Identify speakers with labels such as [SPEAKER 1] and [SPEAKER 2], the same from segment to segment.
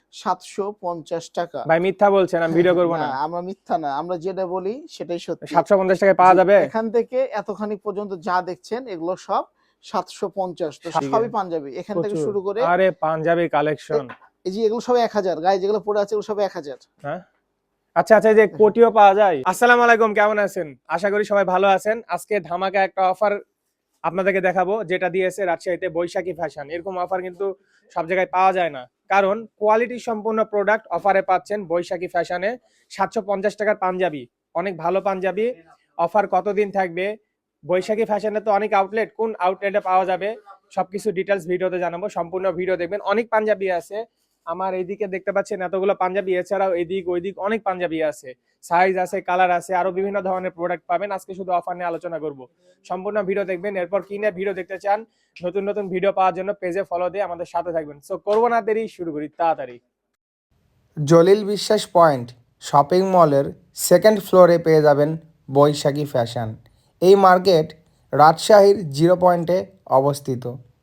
[SPEAKER 1] 750 টাকা।
[SPEAKER 2] ভাই মিথ্যা বলছেন, আমি ভিডিও করব না।
[SPEAKER 1] আমরা মিথ্যা না, আমরা যেটা বলি সেটাই সত্যি।
[SPEAKER 2] 750 টাকায় পাওয়া যাবে?
[SPEAKER 1] এখান থেকে এতখানি পর্যন্ত যা দেখছেন এগুলো সব 750। তো সবই পাঞ্জাবি, এখান থেকে শুরু করে।
[SPEAKER 2] আরে পাঞ্জাবি কালেকশন,
[SPEAKER 1] এই যে এগুলো সব 1000, গায়ে যেগুলো পড়ে আছে এগুলো সব 1000।
[SPEAKER 2] হ্যাঁ আচ্ছা আচ্ছা, এই যে কোটিও পাওয়া যায়। আসসালামু আলাইকুম, কেমন আছেন? আশা করি সবাই ভালো আছেন। আজকে ধামাকা একটা অফার আপনাদেরকে দেখাবো, যেটা দিয়েছে রাজশাহীতে বৈশাখী ফ্যাশন। এরকম অফার কিন্তু সব জায়গায় পাওয়া যায় না, কারণ কোয়ালিটি সম্পূর্ণ প্রোডাক্ট অফারে পাচ্ছেন বৈশাখী ফ্যাশনে। 750 টাকার পাঞ্জাবি, অনেক ভালো পাঞ্জাবি। অফার কতদিন থাকবে? বৈশাখী ফ্যাশনে তো অনেক আউটলেট, কোন আউটলেটে পাওয়া যাবে সবকিছু ডিটেলস ভিডিওতে জানাবো। সম্পূর্ণ ভিডিও দেখবেন। অনেক পাঞ্জাবি আছে, আমার এইদিকে দেখতে পাচ্ছেন এতগুলো পাঞ্জাবি, এছাড়াও এদিক ওইদিক অনেক পাঞ্জাবি আছে, সাইজ আছে, কালার আছে, আরো বিভিন্ন ধরনের প্রোডাক্ট পাবেন। আজকে শুধু অফার নিয়ে আলোচনা করব, সম্পূর্ণ ভিডিও দেখবেন। এরপর কি নিয়ে ভিডিও দেখতে চান, নতুন নতুন ভিডিও পাওয়ার জন্য পেজে ফলো দিয়ে আমাদের সাথে থাকবেন। সো করবো না দেরি, শুরু করি তাড়াতাড়ি।
[SPEAKER 3] জলিল বিশ্বাস পয়েন্ট শপিং মলের সেকেন্ড ফ্লোরে পেয়ে যাবেন বৈশাখী ফ্যাশন। এই মার্কেট রাজশাহীর 0 পয়েন্টে অবস্থিত।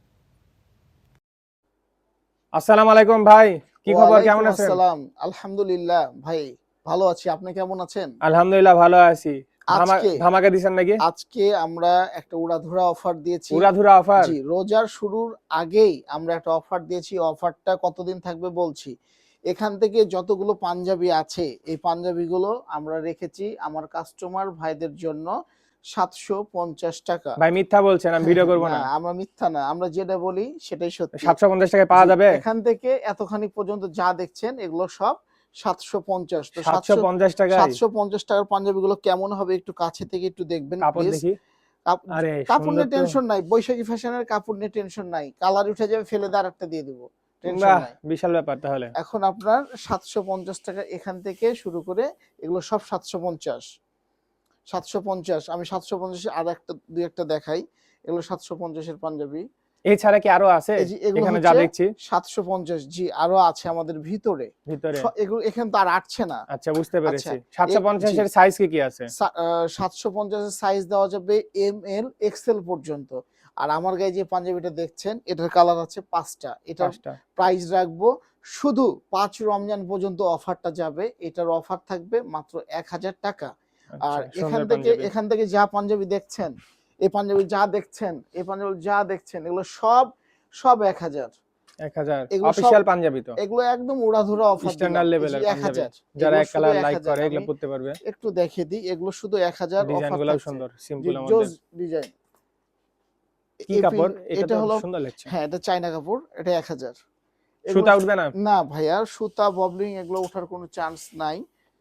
[SPEAKER 2] আসসালামু আলাইকুম ভাই, কি খবর, কেমন আছেন?
[SPEAKER 1] আসসালাম, আলহামদুলিল্লাহ ভাই ভালো আছি, আপনি কেমন আছেন?
[SPEAKER 2] আলহামদুলিল্লাহ ভালো আছি।
[SPEAKER 1] আজকে
[SPEAKER 2] ধামাকা দিছেন নাকি?
[SPEAKER 1] আজকে আমরা একটা উড়াধুরা অফার দিয়েছি।
[SPEAKER 2] উড়াধুরা অফার?
[SPEAKER 1] জি, রোজার শুরুর আগেই আমরা একটা অফার দিয়েছি। অফারটা কতদিন থাকবে বলছি। এখান থেকে যতগুলো পাঞ্জাবি আছে এই পাঞ্জাবিগুলো আমরা রেখেছি আমার কাস্টমার ভাইদের জন্য 750 টাকা।
[SPEAKER 2] ভাই মিথ্যা বলছেন, আমি ভিডিও করব না।
[SPEAKER 1] আমরা মিথ্যা না, আমরা যেটা বলি সেটাই সত্যি।
[SPEAKER 2] 750 টাকায় পাওয়া যাবে?
[SPEAKER 1] এখান থেকে এতখানি পর্যন্ত যা দেখছেন এগুলো সব 750। তো
[SPEAKER 2] 750 টাকায়
[SPEAKER 1] 750 টাকার পাঞ্জাবিগুলো কেমন হবে একটু কাছে থেকে একটু দেখবেন
[SPEAKER 2] কাপড়
[SPEAKER 1] প্লিজ।
[SPEAKER 2] দেখি। আরে
[SPEAKER 1] কাপড় নিয়ে
[SPEAKER 2] সুন্দর তো।
[SPEAKER 1] টেনশন নাই, বৈশাখী ফ্যাশনের কাপড় নিয়ে টেনশন নাই, কালার উঠে যাবে, ফেলে দিয়ে আরেকটা দিয়ে দিব, টেনশন
[SPEAKER 2] বাহ,
[SPEAKER 1] নাই।
[SPEAKER 2] বিশাল ব্যাপার তাহলে।
[SPEAKER 1] এখন আপনার 750 টাকা এখান থেকে শুরু করে এগুলো সব 750। 750, আমি 750 আর একটা দুই একটা দেখাই। এগুলো 750 এর পাঞ্জাবি।
[SPEAKER 2] এছাড়া কি আরো আছে?
[SPEAKER 1] এই যে এগুলো
[SPEAKER 2] এখানে যা দেখছি
[SPEAKER 1] 750। জি, আরো আছে আমাদের ভিতরে।
[SPEAKER 2] ভিতরে।
[SPEAKER 1] এগুলো এখানে তো আর আটছে না।
[SPEAKER 2] আচ্ছা, বুঝতে পেরেছি।
[SPEAKER 1] আচ্ছা,
[SPEAKER 2] 750 এর সাইজ কি কি আছে?
[SPEAKER 1] 750 এর সাইজ দেওয়া যাবে এম এল এক্সেল পর্যন্ত। আর আমার গায়ে যে পাঞ্জাবিটা দেখছেন এটার কালার আছে 5টা। এটার প্রাইস রাখবো শুধু 5 রমজান পর্যন্ত অফারটা যাবে। এটার অফার থাকবে মাত্র 1000 টাকা। আর এখান থেকে যা পাঞ্জাবি দেখছেন, এই পাঞ্জাবি যা দেখছেন, এই পাঞ্জাবি যা দেখছেন এগুলো সব 1000।
[SPEAKER 2] 1000 অফিশিয়াল পাঞ্জাবি তো?
[SPEAKER 1] এগুলো একদম উড়াধুরা অফার,
[SPEAKER 2] স্ট্যান্ডার্ড লেভেলের পাঞ্জাবি,
[SPEAKER 1] 1000।
[SPEAKER 2] যারা এক কালার লাইক করে এগুলো পড়তে পারবে।
[SPEAKER 1] একটু দেখিয়ে দিই, এগুলো শুধু 1000 অফার।
[SPEAKER 2] ডিজাইনগুলোও সুন্দর, সিম্পল এর
[SPEAKER 1] জোস
[SPEAKER 2] মধ্যে।
[SPEAKER 1] ডিজাইন।
[SPEAKER 2] কি কাপড় এটা? তো
[SPEAKER 1] হলো,
[SPEAKER 2] সুন্দর লাগছে।
[SPEAKER 1] হ্যাঁ এটা চায়না কাপড়, এটা 1000।
[SPEAKER 2] সুতা উঠবে না?
[SPEAKER 1] না ভাইয়া, সুতা ববলিং এগুলো ওঠার কোনো চান্স নাই।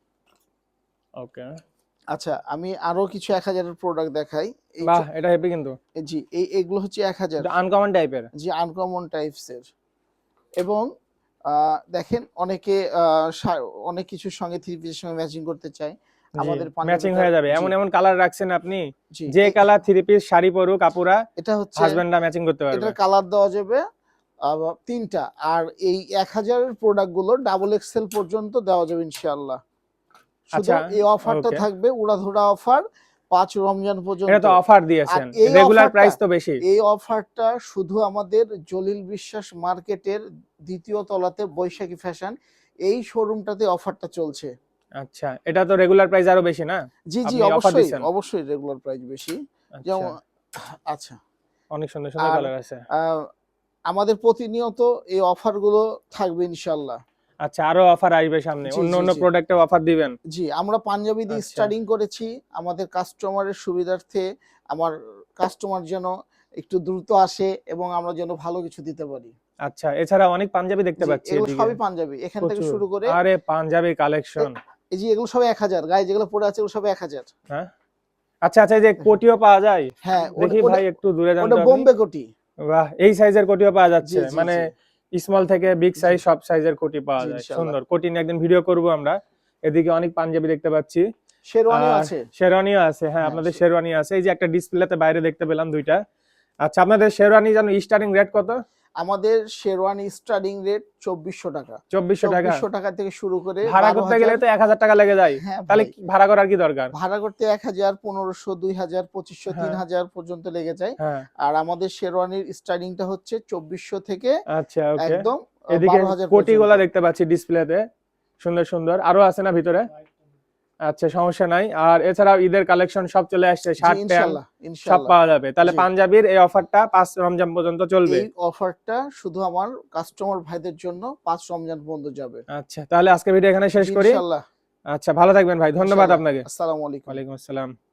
[SPEAKER 2] ওকে,
[SPEAKER 1] আচ্ছা আমি আরো কিছু 1000 এর প্রোডাক্ট দেখাই।
[SPEAKER 2] বাহ, এটা হেভি কিন্তু।
[SPEAKER 1] জি, এগুলো হচ্ছে 1000।
[SPEAKER 2] এটা আনকমন টাইপের।
[SPEAKER 1] জি, আনকমন টাইপস এর। এবং দেখেন অনেকে অনেক কিছুর সঙ্গে থ্রি পিসের সঙ্গে ম্যাচিং করতে চায়, আমাদের
[SPEAKER 2] ম্যাচিং হয়ে যাবে। এমন এমন কালার রাখছেন আপনি, যে
[SPEAKER 1] যে
[SPEAKER 2] কালার থ্রি পিস শাড়ি পরুক আপুরা,
[SPEAKER 1] এটা হচ্ছে
[SPEAKER 2] হাজবেন্ডরা ম্যাচিং করতে পারবে।
[SPEAKER 1] এটার কালার দেওয়া যাবে 3টা। আর এই 1000 এর প্রোডাক্ট গুলো ডাবল এক্সেল পর্যন্ত দেওয়া যাবে ইনশাআল্লাহ। শুধু এই অফারটা থাকবে উড়াধুরা অফার 5 রমজান পর্যন্ত।
[SPEAKER 2] এটা তো অফার দিয়েছেন, রেগুলার প্রাইস তো বেশি।
[SPEAKER 1] এই অফারটা শুধু আমাদের জলিল বিশ্বাস মার্কেটের 2য় তলাতে বৈশাখী ফ্যাশন এই শোরুমটাতে অফারটা চলছে।
[SPEAKER 2] আচ্ছা, এটা তো রেগুলার প্রাইস আরো বেশি না?
[SPEAKER 1] জি জি, অবশ্যই রেগুলার প্রাইস বেশি। যেমন আচ্ছা,
[SPEAKER 2] অনেক সুন্দর সুন্দর কালার আছে।
[SPEAKER 1] আমাদের প্রতিনিয়ত এই অফারগুলো থাকবে ইনশাআল্লাহ।
[SPEAKER 2] আচ্ছা, আরো অফার আসবে সামনে, অন্য অন্য প্রোডাক্টে অফার দিবেন?
[SPEAKER 1] জি, আমরা পাঞ্জাবি দিয়ে স্টার্টিং করেছি আমাদের কাস্টমারের সুবিধার্থে। আমার কাস্টমার যেন একটু দ্রুত আসে এবং আমরা যেন ভালো কিছু দিতে পারি।
[SPEAKER 2] আচ্ছা, এছাড়া অনেক পাঞ্জাবি দেখতে পাচ্ছি
[SPEAKER 1] এগুলো
[SPEAKER 2] এদিকে।
[SPEAKER 1] সবই পাঞ্জাবি, এখান থেকে শুরু করে।
[SPEAKER 2] আরে পাঞ্জাবি কালেকশন,
[SPEAKER 1] এই যে এগুলো সব 1000, গায়ে যেগুলো পড়ে আছে এগুলো সব 1000।
[SPEAKER 2] হ্যাঁ আচ্ছা আচ্ছা, এই যে কোটিও পাওয়া যায়?
[SPEAKER 1] হ্যাঁ,
[SPEAKER 2] দেখি ভাই একটু দূরে যান তো
[SPEAKER 1] ওটা
[SPEAKER 2] আপনি।
[SPEAKER 1] বোম্বে কোটি।
[SPEAKER 2] বাহ, এই সাইজের কোটিও পাওয়া যাচ্ছে, মানে স্মল থেকে বিগ সাইজ সব সাইজের কোটি পাওয়া যায়। সুন্দর কোটি নিয়ে একদিন ভিডিও করব আমরা। এদিকে অনেক পাঞ্জাবি দেখতে পাচ্ছি,
[SPEAKER 1] শেরওয়ানিও আছে।
[SPEAKER 2] শেরওয়ানিও আছে, হ্যাঁ আপনাদের শেরওয়ানি আছে। এই যে একটা ডিসপ্লেতে বাইরে দেখতে পেলাম 2টা। আচ্ছা, আপনাদের শেরওয়ানি জানো স্টার্টিং রেট কত?
[SPEAKER 1] আমাদের শেরওয়ানি স্টার্টিং রেট 2400 টাকা।
[SPEAKER 2] 2400
[SPEAKER 1] টাকা থেকে শুরু করে
[SPEAKER 2] ভাড়া করতে গেলে তো 1000 টাকা লেগে যায়। তাহলে ভাড়া করার কি দরকার?
[SPEAKER 1] ভাড়া করতে 1000, 1500, 2000, 2500, 3000 পর্যন্ত লেগে যায়। আর আমাদের শেরওয়ানির স্টার্টিংটা হচ্ছে 2400 থেকে একদম
[SPEAKER 2] এদিকে
[SPEAKER 1] 12,000
[SPEAKER 2] কোটিগুলা
[SPEAKER 1] পর্যন্ত।
[SPEAKER 2] দেখতে পাচ্ছি ডিসপ্লেতে, সুন্দর সুন্দর আরো আছে না ভিতরে? আচ্ছা, সমস্যা নাই। আর এছাড়াও ঈদের কালেকশন সব চলে আসছে,
[SPEAKER 1] জি,
[SPEAKER 2] শার্ট প্যান্ট
[SPEAKER 1] ইনশাল্লাহ
[SPEAKER 2] সব
[SPEAKER 1] ইনশাল্লাহ।
[SPEAKER 2] পাওয়া যাবে। তাহলে
[SPEAKER 1] জি।
[SPEAKER 2] পাঞ্জাবির এই অফারটা 5 রমজান পর্যন্ত চলবে।
[SPEAKER 1] এই অফারটা শুধু আমার কাস্টমার ভাইদের জন্য 5 রমজান পর্যন্ত যাবে।
[SPEAKER 2] আচ্ছা, তাহলে আজকে ভিডিও এখানে শেষ
[SPEAKER 1] জি,
[SPEAKER 2] করি।
[SPEAKER 1] ইনশাল্লাহ
[SPEAKER 2] আচ্ছা, ভালো থাকবেন ভাই, ধন্যবাদ
[SPEAKER 1] ইনশাল্লাহ।
[SPEAKER 2] আপনাকে।
[SPEAKER 1] আসসালামু আলাইকুম।
[SPEAKER 2] ওয়ালাইকুম আসসালাম।